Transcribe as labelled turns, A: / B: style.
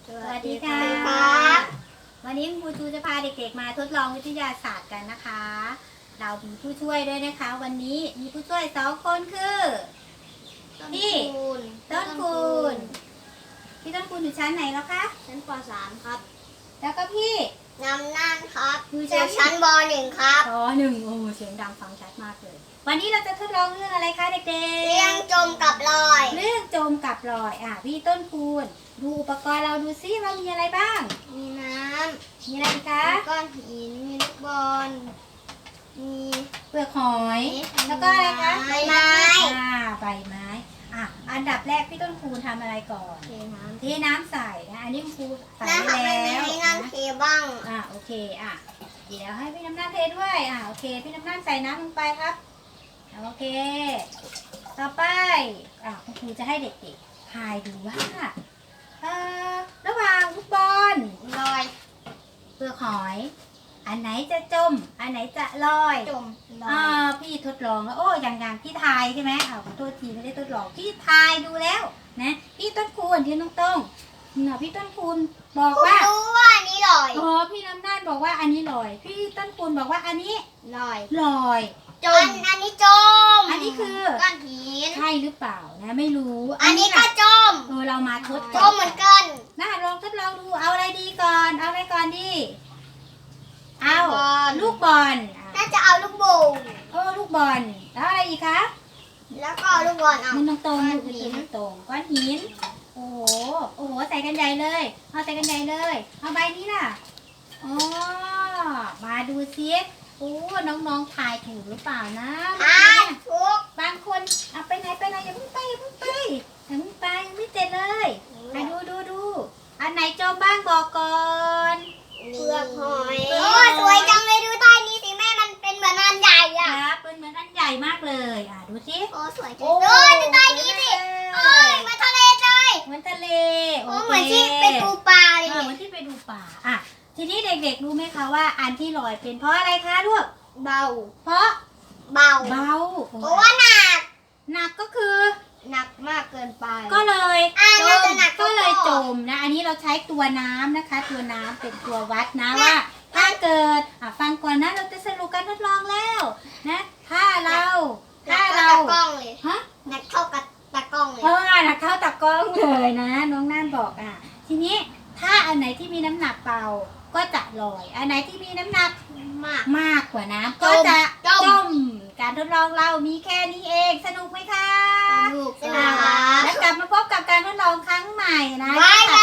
A: สวัสดีค่ะวันนี้ครูจูจะพาเด็กๆมาทดลองวิทยาศาสตร์กันนะคะ เรามีผู้ช่วยด้วยนะคะ วันนี้มีผู้ช่วย2 คนคือพี่ต้นคูณพี่ต้นคูณอยู่ชั้นไหนแล้วคะ
B: ชั้นป .3 ครับ
A: แล้วก็พี่
B: นำนั่นครับอยู่ชั้นป .1 ครับ
A: ป .1 โอ้เสียงดังฟังชัดมากเลยวันนี้เราจะทดลองเรื่องอะไรคะเด็กๆ
B: เรื่องจมกับลอย
A: เรื่องจมกับลอยพี่ต้นคูณดูอุปกรณ์เราดูซิว่ามีอะไรบ้าง
B: มีน้
A: ำมีอะไรอีกคะ
B: มีก้อนหินมีลูกบอลมี
A: เปลือกหอยแล้วก็อะไรคะ
B: ใบไม้
A: ใบไม้อันดับแรกพี่ต้นคูณทำอะไรก่อนเทน้ำใส่นะอันนี้ครูใส่ไปแล้ว
B: ให้น้ำเทบ้าง
A: โอเคเดี๋ยวให้พี่น้ำน้ำเทด้วยโอเคพี่น้ำน้ำใส่น้ำลงไปครับโอเคต่อไปคุณครูจะให้เด็กๆทายดูว่าระหว่างลูกบอล
B: ลอย
A: เปลือกหอยอันไหนจะจมอันไหนจะลอย
B: จมลอย
A: พี่ทดลองแล้วอย่างพี่ทายใช่ไหมขอโทษทีไม่ได้ทดลองพี่ทายดูแล้วนะพี่ต้นคูณที่ตรงพี่ต้นคูณบอกว่า
B: รู้ว่าอันนี้ลอย
A: พี่น้ำน่านบอกว่าอันนี้ลอยพี่ต้นคูณบอกว่าอันนี้
B: ลอย
A: จม
B: อันนี้จม
A: อันนี้คือ
B: ก้อนหิน
A: ใช่หรือเปล่านะไม่รู้
B: อันนี้ก็จม
A: เรามาทด
B: จมเหมือนกัน
A: ลองทดลองดูเอาอะไรดีก่อนเอาอะไรก่อนดีเอาลูกบอล
B: น่าจะเอาลูกโป่ง
A: ลูกบอลแล้วอะไรอีกคะ
B: แล้วก็ลูกบอลเอา
A: มันตรงก้อนหินโอ้โหใส่กันใหญ่เลยเอาใส่กันใหญ่เลยเอาใบนี้ล่ะมาดูซิน้องๆทายถูกหรือเปล่านะ
B: ถูก
A: บางคนไปไหนอย่าเพิ่งไปยังไม่เสร็จเลยดูอันไหนจมบ้างบอกก่อน
B: เปลือกหอยสวยจังเลยดูใต้นี้สิแม่มันเป็นเหมือนอันใหญ่
A: เป็นเหมือนอันใหญ่มากเลยดูสิ
B: สวยจังดูใต้นี้สิเหมือนทะเลเลย
A: เหมือนทะเล
B: เหมือนที่ไปดูปลาเลย
A: เหมือนที่ไปดูปลาทีนี้เด็กๆรู้ไหมคะว่าอันที่ลอยเป็นเพราะอะไรคะลูก
B: เบา
A: เพราะ
B: เบาเพราะว่า
A: หนักก็คือ
B: หนักมากเกินไป
A: ก็เลยจมนะอันนี้เราใช้ตัวน้ำนะคะตัวน้ำเป็นตัววัดนะว่าถ้าเกิดฟังก่อนนะเราจะสรุปการทดลองแล้วนะถ้าเรา
B: ตะกล้องเลยหนักเข้ากับตะกล้องเลย
A: หนักเข้าตะกล้องเลยนะน้องน่านบอกทีนี้ถ้าอันไหนที่มีน้ำหนักเบาก็จะลอยอันไหนที่มีน้ำหนักมากกว่าน้ำก็จะจมการทดลองเรามีแค่นี้เองสนุกไหมคะ
B: สนุก
A: แล้วกลับมาพบกับการทดลองครั้งใหม่นะ